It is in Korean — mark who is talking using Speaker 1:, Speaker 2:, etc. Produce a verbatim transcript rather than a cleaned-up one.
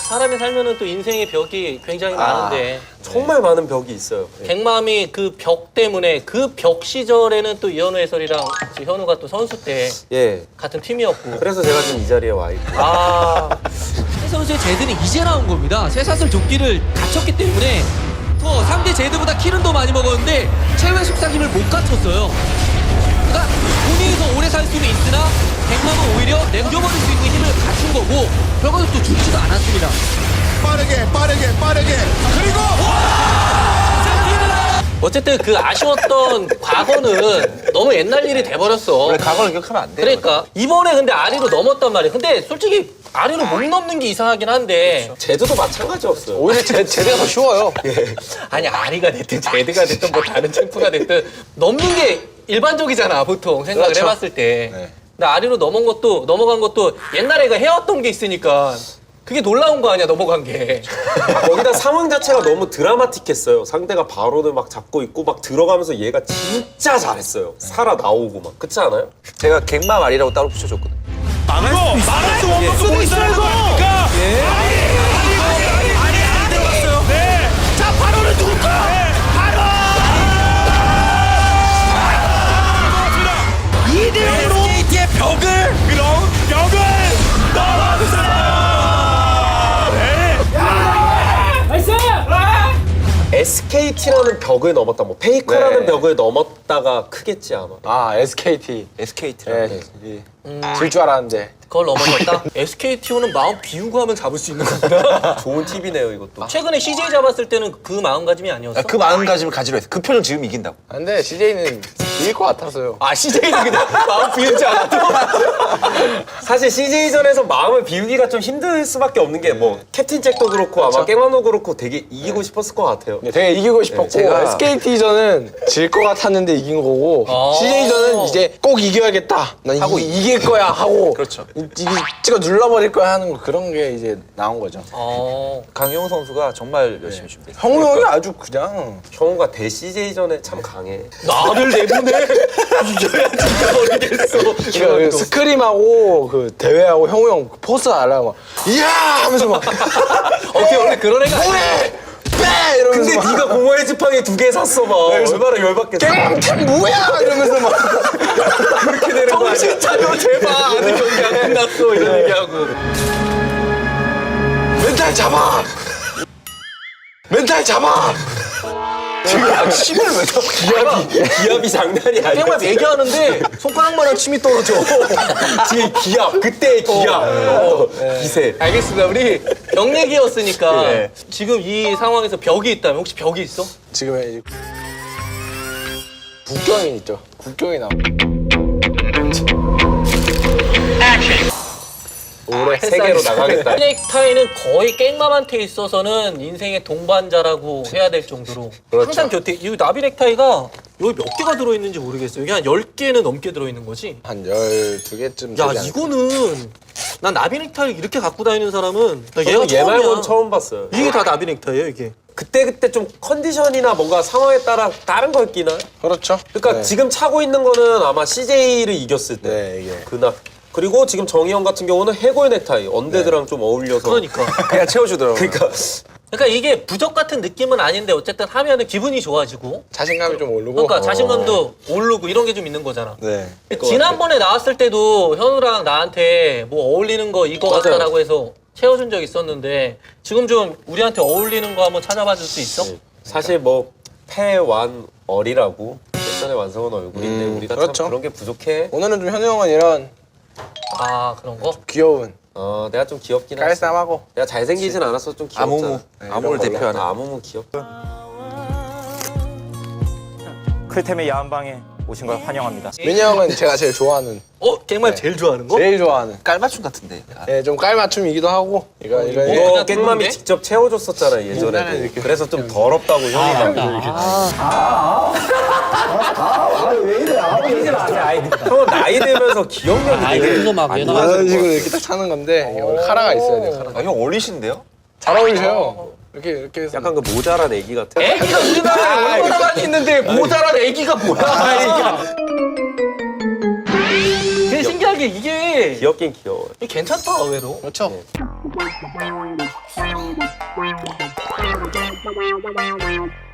Speaker 1: 사람이 살면은 또 인생의 벽이 굉장히
Speaker 2: 아,
Speaker 1: 많은데
Speaker 2: 정말 많은 벽이 있어요. 예.
Speaker 1: 갱맘이 그 벽 때문에 그 벽 시절에는 또 이현우 해설이랑 현우가 또 선수 때
Speaker 2: 예.
Speaker 1: 같은 팀이었고
Speaker 2: 그래서 제가 지금 이 자리에 와 있고.
Speaker 1: 아
Speaker 3: 새 선수의 제드는 이제 나온 겁니다. 쇠사슬 조끼를 갖췄기 때문에 더 상대 제드보다 킬은 더 많이 먹었는데 최후의 속삭임을 못 갖췄어요. 그러니까 본인이 더 오래 살 수는 있으나 갱맘은 오히려 남겨버릴 수 있는 힘을 갖춘 거고 결과도 또 죽지도 않았습니다.
Speaker 4: 빠르게 빠르게 빠르게 그리고
Speaker 1: 어쨌든 그 아쉬웠던 과거는 너무 옛날 일이 돼버렸어.
Speaker 5: 원래 과거를 기억하면 안 돼.
Speaker 1: 그러니까 이번에 근데 아리로 넘었단 말이야. 근데 솔직히 아리로 못 넘는 게 이상하긴 한데
Speaker 2: 제주도 마찬가지였어요.
Speaker 5: 오히려 제, 제대가 더 쉬워요.
Speaker 1: 아니 아리가 됐든 제드가 됐든 뭐 다른 챔프가 됐든 넘는 게 일반적이잖아 보통 생각을
Speaker 5: 그렇죠.
Speaker 1: 해봤을 때.
Speaker 5: 네.
Speaker 1: 근데 아리로 넘은 것도 넘어간 것도 옛날에 가 해왔던 게 있으니까 그게 놀라운 거 아니야 넘어간 게.
Speaker 2: 거기다 상황 자체가 너무 드라마틱했어요. 상대가 바로를 막 잡고 있고 막 들어가면서 얘가 진짜 잘했어요. 살아 나오고 막. 그렇지 않아요?
Speaker 5: 제가 갱마 말이라고 따로 붙여줬거든.
Speaker 4: 막을 수 있어 막을 수 원망 쓰고 있어요 이거 예 아니 아니 아니 안 들어갔어요 네자 바로는 누굴 거야 바로 이 대 영으로 에스케이티의 벽을 그럼 벽을 넘어주세요
Speaker 2: 에스케이티라는 벽을 넘었다. 뭐 페이커라는
Speaker 5: 네.
Speaker 2: 벽을 넘었다가 크겠지 아마.
Speaker 6: 아 에스케이티.
Speaker 5: 에스케이티라고.
Speaker 6: 예, 질 줄 알았는데.
Speaker 1: 그걸 넘어갔다. 에스케이티오는 마음 비우고 하면 잡을 수 있는 거구나.
Speaker 2: 좋은 팁이네요 이것도.
Speaker 1: 최근에 씨제이 잡았을 때는 그 마음가짐이 아니었어?
Speaker 5: 아, 그 마음가짐을 가지로 했어. 그 표정 지금 이긴다고.
Speaker 6: 아, 근데 씨제이는 이길 것 같았어요.
Speaker 1: 아 씨제이는 그냥 마음 비우지 않아도
Speaker 2: 사실 씨제이전에서 마음을 비우기가 좀 힘들 수밖에 없는 게 뭐 캡틴 잭도 그렇고 아마 깽마노 그렇고 되게 이기고 싶었을 것 같아요.
Speaker 6: 네, 되게 이기고 싶었고
Speaker 5: 제가-
Speaker 6: 에스케이티전은 질 것 같았는데 이긴 거고
Speaker 1: 아.
Speaker 6: 씨제이전은 이제 꼭 이겨야겠다. 난
Speaker 5: 하고
Speaker 6: 이, 이길 거야 하고
Speaker 5: 그렇죠.
Speaker 6: 이, 이, 찍어 눌러버릴 거야 하는 거 그런 게 이제 나온 거죠.
Speaker 1: 어...
Speaker 5: 강영호 선수가 정말 열심히 준비했어.
Speaker 6: 형우 형이 아주 그냥
Speaker 2: 형우가 대 씨제이전에 참 강해.
Speaker 1: 나를 내보내? 이겨야 진짜 모르겠어.
Speaker 6: 그 스크림하고 그 대회하고 형우 형 포스 알아요? 막 이야 하면서 막
Speaker 1: 어떻게 원래 그런 애가 아니야.
Speaker 6: 뭐해 빼 이러면서
Speaker 2: 근데
Speaker 6: 막
Speaker 2: 네가 공허의 지팡이 두 개 샀어 막. 얼마나 열받겠어.
Speaker 6: 깽템 뭐야 이러면서 막
Speaker 2: 그렇게 되는 거 아니야?
Speaker 1: 정신 차려 제발 아직 경기 안 끝났어 이런 얘기하고.
Speaker 6: 멘탈 잡아 멘탈 잡아
Speaker 2: 침을 왜 줘? 기압이 기압이 장난이 아니야.
Speaker 1: 게임을 얘기하는데 손가락만한 침이 떨어져.
Speaker 2: 뒤에 기압 그때의 기압 어, 기세.
Speaker 1: 알겠습니다. 우리 벽 얘기였으니까
Speaker 2: 네.
Speaker 1: 지금 이 상황에서 벽이 있다면 혹시 벽이 있어?
Speaker 6: 지금의 이제 국경이 있죠 국경이 나와
Speaker 2: 올해 세계로 나가겠다.
Speaker 1: 넥타이는 거의 깽맘한테 있어서는 인생의 동반자라고 해야 될 정도로 항상 곁에 이 나비 넥타이가 여기 몇 개가 들어있는지 모르겠어요. 여기 한 열 개는 넘게 들어있는 거지?
Speaker 6: 한 열두 개쯤
Speaker 1: 야
Speaker 6: 되지 않을까?
Speaker 1: 이거는 난 나비 넥타이를 이렇게 갖고 다니는 사람은 나 얘가
Speaker 2: 저는 얘 말고는
Speaker 1: 처음이야.
Speaker 2: 처음 봤어요.
Speaker 1: 이게 다 나비 넥타이예요 이게.
Speaker 2: 그때 그때 좀 컨디션이나 뭔가 상황에 따라 다른 걸 끼나?
Speaker 6: 그렇죠
Speaker 2: 그러니까
Speaker 6: 네.
Speaker 2: 지금 차고 있는 거는 아마 씨제이를 이겼을 때
Speaker 6: 네 이게
Speaker 2: 그날. 그리고 지금 정희영 같은 경우는 해골 넥타이 언데드랑 좀 어울려서.
Speaker 1: 그러니까.
Speaker 5: 그냥 채워주더라고요.
Speaker 2: 그러니까
Speaker 1: 그러니까 이게 부적 같은 느낌은 아닌데 어쨌든 하면은 기분이 좋아지고.
Speaker 6: 자신감이 좀 오르고
Speaker 1: 그러니까 자신감도 오르고 이런 게 좀 있는 거잖아.
Speaker 6: 네
Speaker 1: 지난번에 나왔을 때도 현우랑 나한테 뭐 어울리는 거 이거
Speaker 2: 맞아요.
Speaker 1: 같다라고 해서 채워준 적 있었는데 지금 좀 우리한테 어울리는 거 한번 찾아봐 줄 수 있어?
Speaker 2: 사실 뭐 패완얼이라고 패션의 완성은 얼굴인데
Speaker 6: 음,
Speaker 2: 우리가
Speaker 6: 그렇죠.
Speaker 2: 참 그런 게 부족해.
Speaker 6: 오늘은 좀 현우 형은 이런
Speaker 1: 아 그런 거?
Speaker 6: 귀여운
Speaker 2: 어 내가 좀 귀엽긴 하지.
Speaker 6: 깔쌈하고
Speaker 2: 내가 잘생기진 않아서 좀 귀엽잖아.
Speaker 5: 아무무.
Speaker 2: 네,
Speaker 5: 아무를
Speaker 2: 이런 걸로.
Speaker 5: 대표하는.
Speaker 2: 아, 아무무 귀엽다.
Speaker 7: 클템의 야한방에 오신 걸 환영합니다.
Speaker 6: 민이 형은 제가 제일 좋아하는
Speaker 1: 어? 갱말 제일 좋아하는 거?
Speaker 6: 제일 좋아하는
Speaker 5: 깔맞춤 같은데.
Speaker 6: 예, 좀 깔맞춤이기도 하고 이거 이거
Speaker 1: 이거-
Speaker 6: 이거
Speaker 2: 이거
Speaker 1: 그냥
Speaker 2: 깽맘이
Speaker 1: 들어오는데?
Speaker 2: 직접 채워줬었잖아 예전에.
Speaker 6: 이렇게.
Speaker 2: 그래서 좀 더럽다고 형이 막. 형은 나이 들면서 기억력이 되게
Speaker 1: 막
Speaker 2: 안
Speaker 1: 얘나
Speaker 6: 이런 식으로 이렇게 딱 차는 건데 이게 원래 카라가 있어야 돼요 카라
Speaker 5: 아, 형 어리신데요?
Speaker 6: 잘 어울리셔요 이렇게 이렇게 해서
Speaker 2: 약간 그 모자란 애기 같아.
Speaker 1: 애기가 우리나라에 얼마나 많이 있는데 모자란 애기가 뭐야 애기가. 그게 신기한 게 근데 이게
Speaker 2: 귀엽긴 귀여워요.
Speaker 1: 이게 괜찮다 의외로.
Speaker 6: 그렇죠.
Speaker 2: 네.